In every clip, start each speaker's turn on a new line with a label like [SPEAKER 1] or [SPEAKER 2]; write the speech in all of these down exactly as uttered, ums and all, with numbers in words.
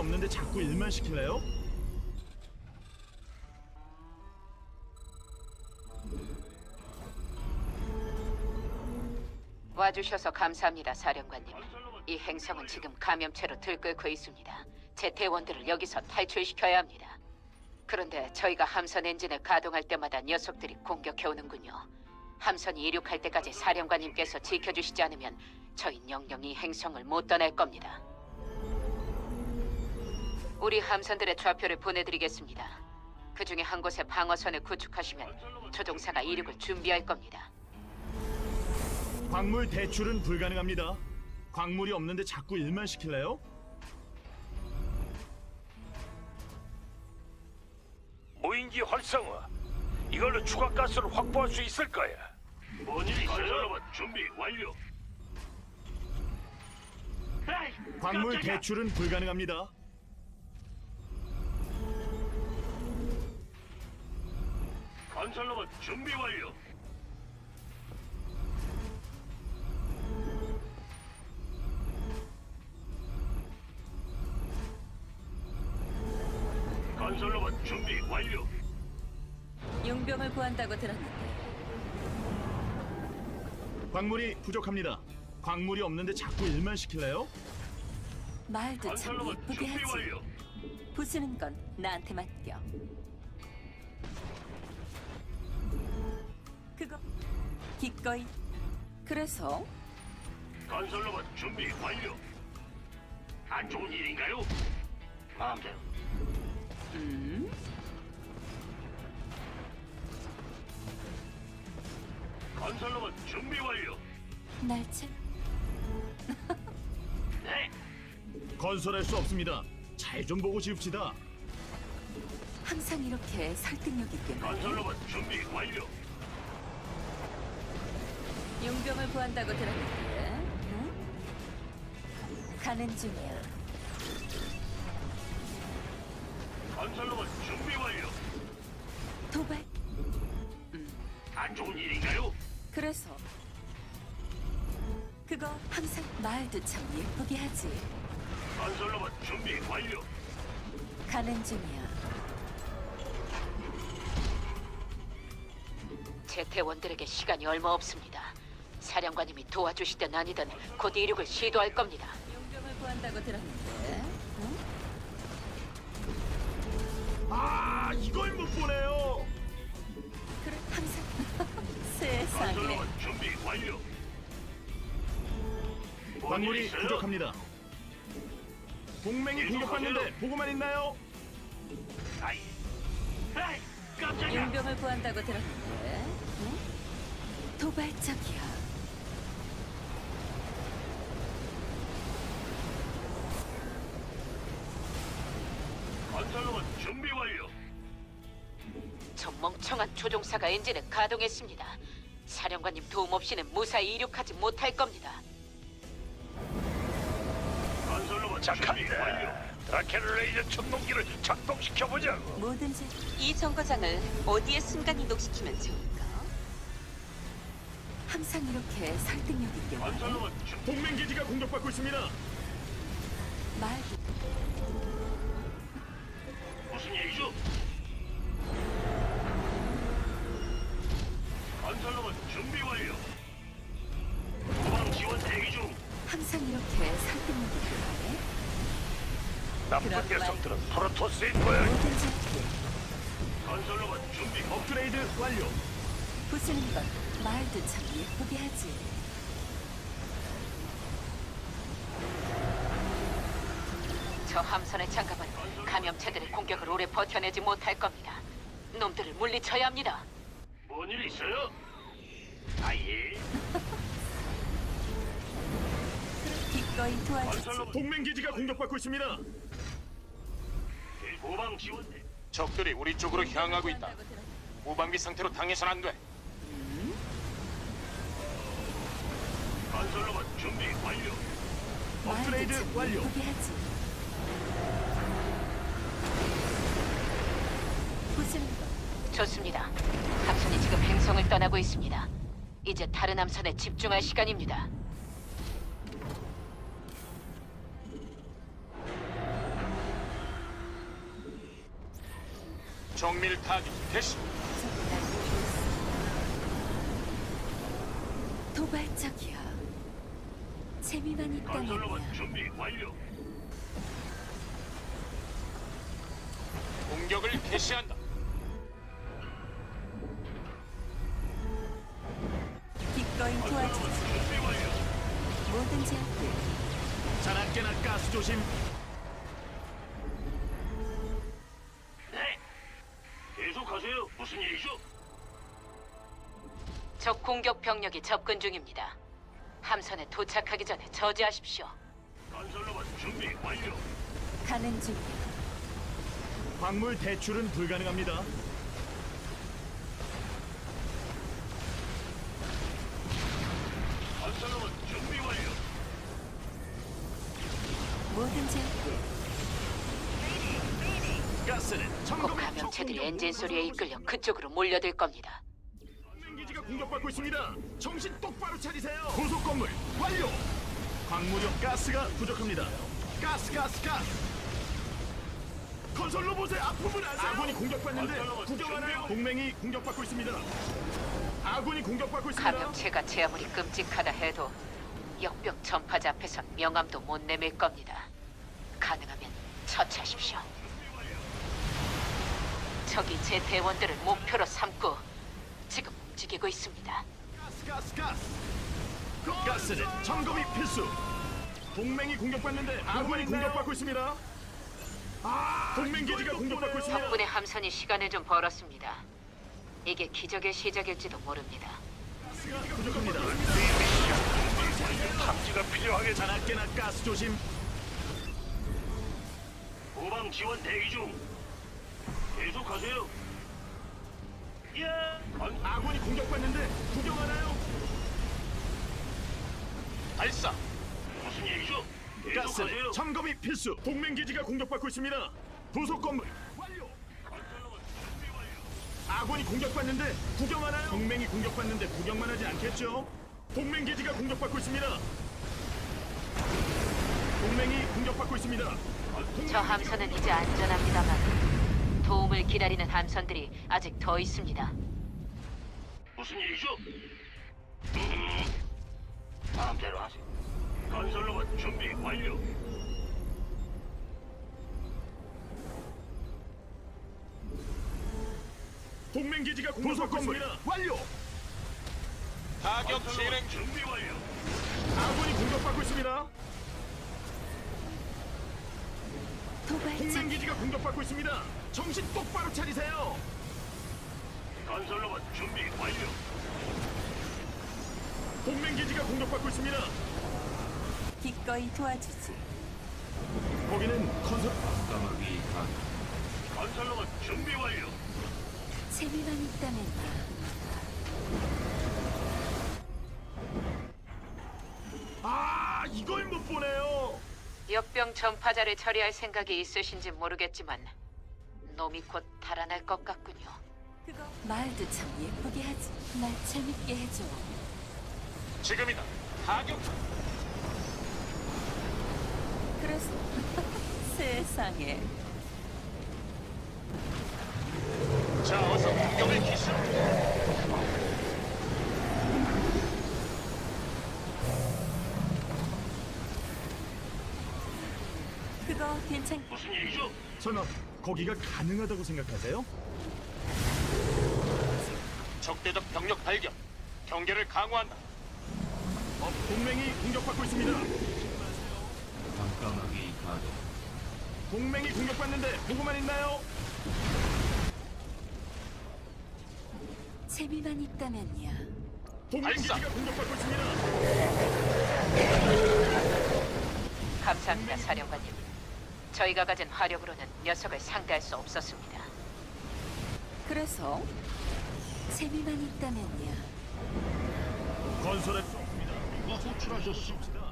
[SPEAKER 1] 없는데 자꾸 일만 시킬래요?
[SPEAKER 2] 와주셔서 감사합니다, 사령관님. 이 행성은 지금 감염체로 들끓고 있습니다. 제 대원들을 여기서 탈출시켜야 합니다. 그런데 저희가 함선 엔진을 가동할 때마다 녀석들이 공격해오는군요. 함선이 이륙할 때까지 사령관님께서 지켜주시지 않으면 저희 영영 이 행성을 못 떠날 겁니다. 우리 함선들의 좌표를 보내드리겠습니다. 그 중에 한 곳에 방어선을 구축하시면 조종사가 이륙을 준비할 겁니다.
[SPEAKER 1] 광물 대출은 불가능합니다. 광물이 없는데 자꾸 일만 시킬래요?
[SPEAKER 3] 무인기 활성화. 이걸로 추가 가스를 확보할 수 있을 거야. 뭔 일이 있어요? 준비 완료.
[SPEAKER 1] 광물 대출은 불가능합니다.
[SPEAKER 3] 건설로봇 준비 완료. 건설로봇 준비 완료.
[SPEAKER 2] 용병을 구한다고 들었는데
[SPEAKER 1] 광물이 부족합니다. 광물이 없는데 자꾸 일만 시킬래요?
[SPEAKER 2] 말도 참
[SPEAKER 3] 건설로봇
[SPEAKER 2] 예쁘게
[SPEAKER 3] 준비
[SPEAKER 2] 하지.
[SPEAKER 3] 완료.
[SPEAKER 2] 부수는 건 나한테 맡겨. 그거 기꺼이. 그래서
[SPEAKER 3] 건설로봇 준비 완료. 안 좋은 일인가요? 마음대로.
[SPEAKER 2] 음?
[SPEAKER 3] 건설로봇 준비 완료.
[SPEAKER 2] 날 참.
[SPEAKER 3] 네.
[SPEAKER 1] 건설할 수 없습니다. 잘 좀 보고 지읍시다.
[SPEAKER 2] 항상 이렇게 설득력 있게 말해.
[SPEAKER 3] 건설로봇 준비 완료.
[SPEAKER 2] 용병을 구한다고 들었는데, 응? 가는 중이야.
[SPEAKER 3] 건설로봇 준비 완료.
[SPEAKER 2] 도발.
[SPEAKER 3] 안 좋은 일인가요?
[SPEAKER 2] 그래서 그거 항상 말도 참 예쁘게 하지.
[SPEAKER 3] 건설로봇 준비 완료.
[SPEAKER 2] 가는 중이야. 제 대원들에게 시간이 얼마 없습니다. 사령관님이 도와주시든 아니든 곧 이륙을 시도할 겁니다. 용병을 구한다고 들었는데, 응?
[SPEAKER 1] 아, 이걸 못 보네요.
[SPEAKER 2] 그래, 항상 세상에.
[SPEAKER 3] 건설로봇 준비 완료. 뭔일
[SPEAKER 1] 광물이
[SPEAKER 3] 있어요?
[SPEAKER 1] 부족합니다. 동맹이 공격받는데 보고만 있나요?
[SPEAKER 3] 아이, 아이, 깜짝이야.
[SPEAKER 2] 용병을 구한다고 들었는데, 응? 도발적이야.
[SPEAKER 3] 건설로봇 준비 완료.
[SPEAKER 2] 저 멍청한 조종사가 엔진을 가동했습니다. 사령관님 도움 없이는 무사히 이륙하지 못할 겁니다.
[SPEAKER 3] 건설로봇 준비 완료.
[SPEAKER 4] 착한데 드라켄 레이저 천동기를 작동시켜보자고.
[SPEAKER 2] 뭐든지 이 정거장을 어디에 순간 이동시키면 좋을까? 항상 이렇게 설득력 있게 말해.
[SPEAKER 3] 건설로봇 준비.
[SPEAKER 1] 동맹 기지가 공격받고 있습니다.
[SPEAKER 2] 말도
[SPEAKER 3] 무슨 일이죠? 건설로봇 준비 완료. 후방 지원 대기 중.
[SPEAKER 2] 항상 이렇게 설득력 있게 말해.
[SPEAKER 4] 나쁜
[SPEAKER 2] 그럼
[SPEAKER 4] 녀석들은 프로토스인 거야.
[SPEAKER 2] 뭐든지
[SPEAKER 3] 건설로봇 준비.
[SPEAKER 1] 업그레이드 완료.
[SPEAKER 2] 부수는 건 말도 참 예쁘게 하지. 저 함선의 장갑은 감염체들의 공격을 오래 버텨내지 못할 겁니다. 놈들을 물리쳐야 합니다.
[SPEAKER 3] 뭔 일 있어요? 아예.
[SPEAKER 2] 기꺼이 도와주지.
[SPEAKER 3] 건설로봇
[SPEAKER 1] 동맹 기지가 공격받고 있습니다.
[SPEAKER 3] 후방 지원 대.
[SPEAKER 5] 적들이 우리 쪽으로 향하고 있다. 무방비 상태로 당해선 안 돼.
[SPEAKER 3] 건설로봇 준비 완료.
[SPEAKER 1] 업그레이드
[SPEAKER 2] 말도 참
[SPEAKER 1] 완료.
[SPEAKER 2] 예쁘게 하지. 부수는 건 좋습니다. 함선이 지금 행성을 떠나고 있습니다. 이제 다른 함선에 집중할 시간입니다.
[SPEAKER 5] 정밀 타격 개시.
[SPEAKER 6] 도발적이야. 재미만
[SPEAKER 3] 건설로봇
[SPEAKER 6] 있다면야.
[SPEAKER 3] 준비 완료.
[SPEAKER 5] 공격을 개시한다.
[SPEAKER 6] 기꺼이 도와주지.
[SPEAKER 3] 준비 완료.
[SPEAKER 6] 뭐든지 할게.
[SPEAKER 1] 자나깨나 가스 조심.
[SPEAKER 3] 네. 계속하세요. 무슨 일이죠?
[SPEAKER 2] 적 공격 병력이 접근 중입니다. 함선에 도착하기 전에 저지하십시오.
[SPEAKER 3] 건설로봇 준비 완료.
[SPEAKER 6] 가는 중이야.
[SPEAKER 1] 광물 대출은 불가능합니다.
[SPEAKER 3] 건설로봇 준비 완료.
[SPEAKER 6] 뭐든지 할게.
[SPEAKER 1] 가스는
[SPEAKER 2] 곧
[SPEAKER 1] 점검.
[SPEAKER 2] 감염체들이 엔진 소리에 이끌려 그쪽으로 몰려들 겁니다.
[SPEAKER 1] 동맹 기지가 공격받고 있습니다. 정신 똑바로 차리세요. 고속 건물 완료. 광물용 가스가 부족합니다. 가스 가스 가스. 건설 로봇의 아픔을 아세요? 아군이 공격받는데
[SPEAKER 3] 건설
[SPEAKER 1] 구경하나요?
[SPEAKER 3] 로봇
[SPEAKER 1] 동맹이 공격받고 있습니다. 아군이 공격받고 있습니다.
[SPEAKER 2] 감염체가 제 아무리 끔찍하다 해도 역병 전파자 앞에선 명함도 못 내밀 겁니다. 가능하면 처치하십시오. 적이 제 대원들을 목표로 삼고 지금 움직이고 있습니다.
[SPEAKER 1] 가스 가스 가스. 가스는 점검이 필수. 동맹이 공격받는데 아군이 공격받고 있습니다. 아, 동맹 기지가 공격받고 있습니다.
[SPEAKER 2] 덕분에 함선이 시간을 좀 벌었습니다. 이게 기적의 시작일지도 모릅니다.
[SPEAKER 1] 가스가 부족합니다.
[SPEAKER 3] 탐지가 필요하겠다.
[SPEAKER 1] 자나깨나 가스 조심.
[SPEAKER 3] 후방 지원 대기 중. 계속하세요. 예. 건
[SPEAKER 1] 아군이 공격받는데 구경하나요?
[SPEAKER 5] 발사.
[SPEAKER 3] 무슨 일이죠?
[SPEAKER 1] 가스는
[SPEAKER 3] 계속하세요.
[SPEAKER 1] 점검이 필수. 동맹 기지가 공격받고 있습니다. 부속 건물 완료.
[SPEAKER 3] 건설로봇 준비 완료.
[SPEAKER 1] 아군이 공격받는데 구경하나요? 동맹이 공격받는데 구경만 하지 않겠죠? 동맹 기지가 공격받고 있습니다. 동맹이 공격받고 있습니다. 동맹
[SPEAKER 2] 저 함선은 이제 안전합니다만 도움을 기다리는 함선들이 아직 더 있습니다.
[SPEAKER 3] 무슨 일이죠? 음, 마음대로 하세요. 건설로봇 준비 완료.
[SPEAKER 1] 동맹 기지가 공격받고 있습니다. 완료.
[SPEAKER 5] 타격 진행
[SPEAKER 3] 건설로봇
[SPEAKER 5] 중.
[SPEAKER 3] 준비 완료.
[SPEAKER 1] 아군이 공격받고 있습니다. 동맹
[SPEAKER 6] 도발적.
[SPEAKER 1] 기지가 공격받고 있습니다. 정신 똑바로 차리세요.
[SPEAKER 3] 건설로봇 준비 완료.
[SPEAKER 1] 동맹 기지가 공격받고 있습니다.
[SPEAKER 6] 기꺼이 도와주지.
[SPEAKER 1] 거기는 건설
[SPEAKER 3] 건설로봇 준비 완료.
[SPEAKER 6] 재미만 있다면야.
[SPEAKER 1] 아, 이걸 못 보네요.
[SPEAKER 2] 역병 전파자를 처리할 생각이 있으신지 모르겠지만 놈이 곧 달아날 것 같군요.
[SPEAKER 6] 그거 말도 참 예쁘게 하지. 날 재밌게 해줘.
[SPEAKER 5] 지금이다. 타격.
[SPEAKER 6] 그래서 세상에.
[SPEAKER 5] 자, 어서 공격을 개시.
[SPEAKER 6] 그거 괜찮.
[SPEAKER 3] 무슨 일이죠?
[SPEAKER 1] 설마 거기가 가능하다고 생각하세요?
[SPEAKER 5] 적대적 병력 발견. 경계를 강화한다.
[SPEAKER 1] 어, 동맹이 공격받고 있습니다. 동맹이 공격받는데 보고만 있나요?
[SPEAKER 6] 재미만 있다면야.
[SPEAKER 1] 동맹
[SPEAKER 5] 발사.
[SPEAKER 1] 기지가 공격받고 있습니다.
[SPEAKER 2] 감사합니다, 사령관님. 저희가 가진 화력으로는 녀석을 상대할 수 없었습니다.
[SPEAKER 6] 그래서 재미만 있다면야.
[SPEAKER 1] 건설할 수 없습니다. 누가 호출하셨습니다.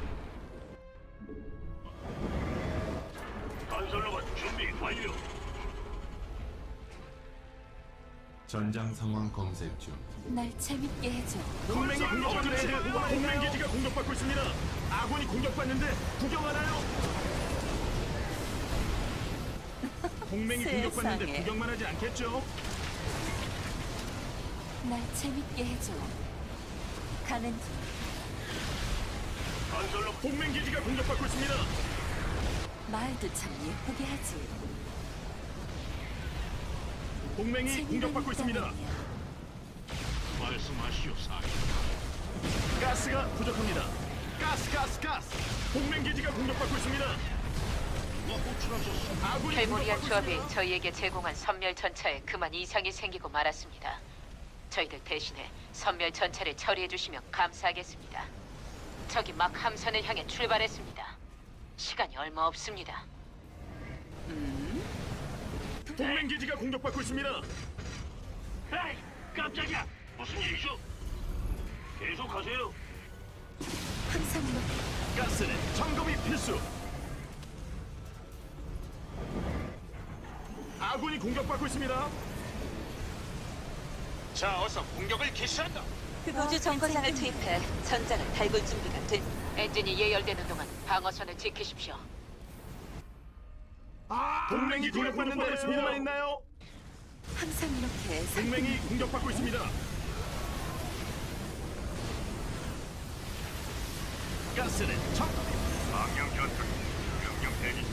[SPEAKER 3] 건설로봇 준비 완료.
[SPEAKER 7] 전장 상황 검색 중.
[SPEAKER 6] 날 재밌게 해줘.
[SPEAKER 1] 동맹이 공격받는데 동맹 기지가 공격받고 있습니다. 아군이 공격받는데 구경하나요? 동맹이 공격받는데
[SPEAKER 6] 세상에.
[SPEAKER 1] 구경만 하지 않겠죠?
[SPEAKER 6] 날 재밌게 해줘. 가는 중.
[SPEAKER 1] 건설로 동맹 기지가 공격받고 있습니다.
[SPEAKER 6] 말도 참 예쁘게 하지.
[SPEAKER 1] 동맹이
[SPEAKER 6] 재미가
[SPEAKER 1] 공격받고 있습니다.
[SPEAKER 6] 있다면야.
[SPEAKER 1] 말씀하시오, 사령. 가스가 부족합니다. 가스, 가스, 가스. 동맹 기지가 공격받고 있습니다. 아군이
[SPEAKER 2] 켈모리안
[SPEAKER 1] 공격받고
[SPEAKER 2] 조합이
[SPEAKER 1] 있습니다.
[SPEAKER 2] 저희에게 제공한 선멸 전차에 그만 이상이 생기고 말았습니다. 저희들 대신에 선멸 전차를 처리해 주시면 감사하겠습니다. 적이 막 함선을 향해 출발했습니다. 시간이 얼마 없습니다.
[SPEAKER 1] 동맹 기지가 공격받고 있습니다.
[SPEAKER 3] 에이, 깜짝이야. 무슨 일이죠? 계속하세요.
[SPEAKER 6] 항상 이렇게
[SPEAKER 1] 가스는 점검이 필수. 아군이 공격받고 있습니다.
[SPEAKER 5] 자, 어서 공격을 개시한다.
[SPEAKER 6] 우주 정거장을 투입해 전장을 달굴 준비가 된.
[SPEAKER 2] 엔진이 예열되는 동안 방어선을 지키십시오.
[SPEAKER 1] 동맹이 공격받는데 보고만 있나요?
[SPEAKER 6] 항상 이렇게
[SPEAKER 1] 동맹이 공격받고 있습니다. 가스는 점.
[SPEAKER 3] 망령 전투. 명령 대기.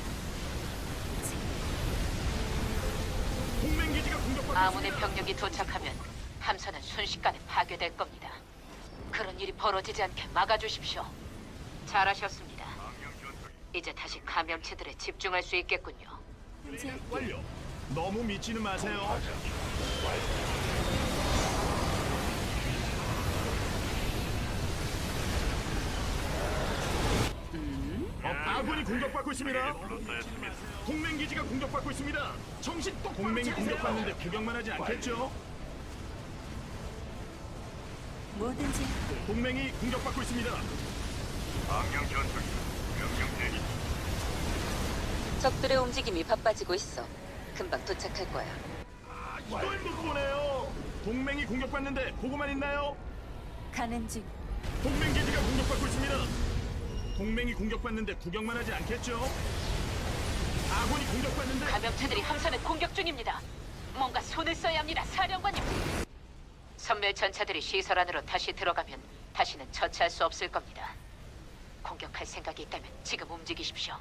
[SPEAKER 1] 동맹 기지가 공격받고
[SPEAKER 2] 아문의
[SPEAKER 1] 있습니다.
[SPEAKER 2] 병력이 도착하면 함선은 순식간에 파괴될 겁니다. 그런 일이 벌어지지 않게 막아주십시오. 잘하셨습니다. 이제 다시 감염체들에 집중할 수 있겠군요.
[SPEAKER 6] 문제
[SPEAKER 1] 완료. 너무 미치는 마세요. 어, 아군이 공격받고 있습니다. 동맹 기지가 공격받고 있습니다. 정신 똑 동맹이 공격받는데 구경만 하지 않겠죠?
[SPEAKER 6] 뭐든지 할게.
[SPEAKER 1] 동맹이 공격받고 있습니다.
[SPEAKER 3] 망령 전투. 명령 대기.
[SPEAKER 6] 적들의 움직임이 바빠지고 있어. 금방 도착할 거야.
[SPEAKER 1] 이걸 못 보네요. 동맹이 공격받는데 보고만 있나요?
[SPEAKER 6] 가는 중.
[SPEAKER 1] 동맹 기지가 공격받고 있습니다. 동맹이 공격받는데 구경만 하지 않겠죠? 아군이 공격받는데
[SPEAKER 2] 감염체들이 함선을 공격 중입니다. 뭔가 손을 써야 합니다, 사령관님. 선멸 전차들이 시설 안으로 다시 들어가면 다시는 처치할 수 없을 겁니다. 공격할 생각이 있다면 지금 움직이십시오.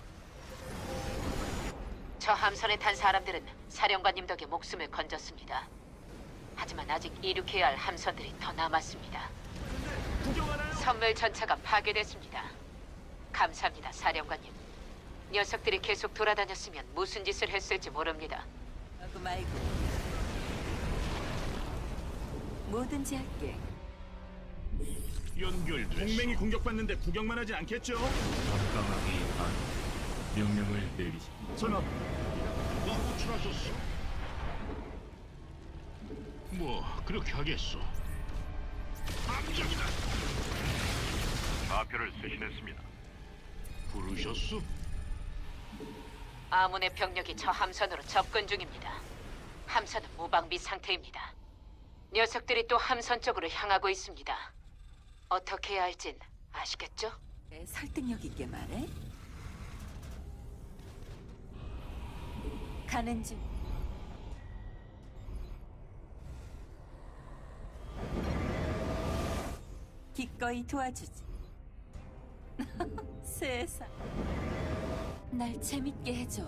[SPEAKER 2] 저 함선에 탄 사람들은 사령관님 덕에 목숨을 건졌습니다. 하지만 아직 이륙해야 할 함선들이 더 남았습니다.
[SPEAKER 1] 구경하나요?
[SPEAKER 2] 선멸 전차가 파괴됐습니다. 감사합니다, 사령관님. 녀석들이 계속 돌아다녔으면 무슨 짓을 했을지 모릅니다.
[SPEAKER 6] 하고 말고. 뭐든지 할게.
[SPEAKER 1] 동맹이 공격받는데 구경만 하지 않겠죠?
[SPEAKER 7] 깜깜하게 반 명령을 내리십시오.
[SPEAKER 1] 설마
[SPEAKER 8] 뭐 그렇게 하겠소.
[SPEAKER 3] 함정이다. 마표를 수신했습니다.
[SPEAKER 8] 부르셨소?
[SPEAKER 2] 아문의 병력이 저 함선으로 접근 중입니다. 함선은 무방비 상태입니다. 녀석들이 또 함선 쪽으로 향하고 있습니다. 어떻게 해야 할진 아시겠죠?
[SPEAKER 6] 내 설득력 있게 말해. 가는 중. 기꺼이 도와주지. 세상. 날 재밌게 해줘.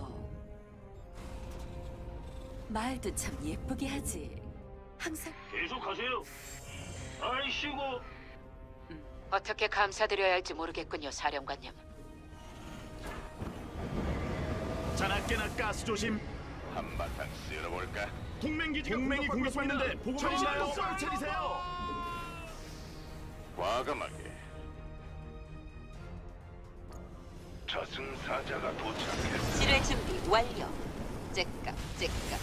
[SPEAKER 6] 말도 참 예쁘게 하지. 항상
[SPEAKER 3] 계속하세요. 아이씨고.
[SPEAKER 2] 어떻게 감사드려야 할지 모르겠군요, 사령관님.
[SPEAKER 1] 자나깨나 가스 조심.
[SPEAKER 4] 한바탕 쓸어볼까?
[SPEAKER 1] 동맹 기지가 동맹이 공격받는데 보고만 있나요? 똑바로 차리세요.
[SPEAKER 4] 과감하게. 저승사자가 도착했다.
[SPEAKER 6] 지뢰 준비 완료. 째깍 째깍.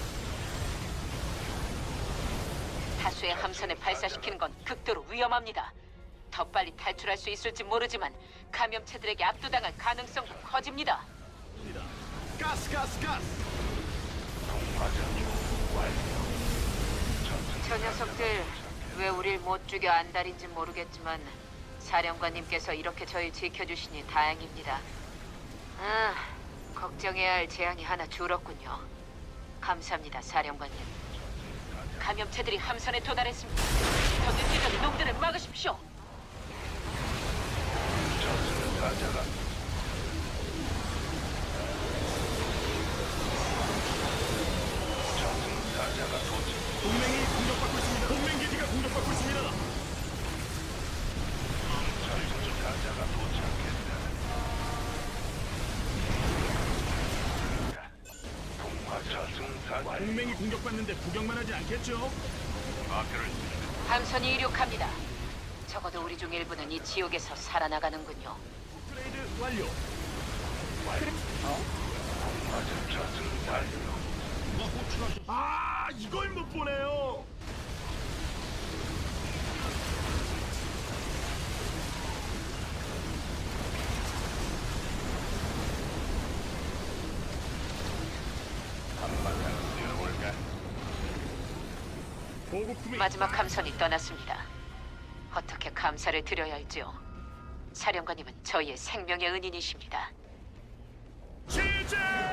[SPEAKER 2] 다수의 함선을 발사시키는 건 극도로 위험합니다. 더 빨리 탈출할 수 있을지 모르지만 감염체들에게 압도당할 가능성도 커집니다.
[SPEAKER 1] 가스 가스 가스.
[SPEAKER 2] 저 녀석들 왜 우릴 못 죽여 안달인지 모르겠지만 사령관님께서 이렇게 저희 지켜주시니 다행입니다. 아, 걱정해야 할 재앙이 하나 줄었군요. 감사합니다, 사령관님. 감염체들이 함선에 도달했습니다. 더 늦기 전에 놈들을 막으십시오.
[SPEAKER 4] 저승사자가 저승사자가 도착.
[SPEAKER 1] 동맹이 공격받고 있습니다. 동맹 기지가 공격받고 있습니다.
[SPEAKER 4] 저승사자가 도착했다. 동화 저승사자.
[SPEAKER 1] 동맹이 공격받는데 구경만 하지 않겠죠?
[SPEAKER 4] 마표를
[SPEAKER 2] 함선이 이륙합니다. 적어도 우리 중 일부는 이 지옥에서 살아나가는군요.
[SPEAKER 1] 업그레이드 완료.
[SPEAKER 4] 맞은 저승사자.
[SPEAKER 8] 뭐 호출하셨?
[SPEAKER 1] 아, 이걸 못 보네요.
[SPEAKER 4] 한바탕 쓸어볼까?
[SPEAKER 1] 보급품이
[SPEAKER 2] 마지막 함선이 떠났습니다. 어떻게 감사를 드려야 할지요. 사령관님은 저희의 생명의 은인이십니다.
[SPEAKER 1] 시작!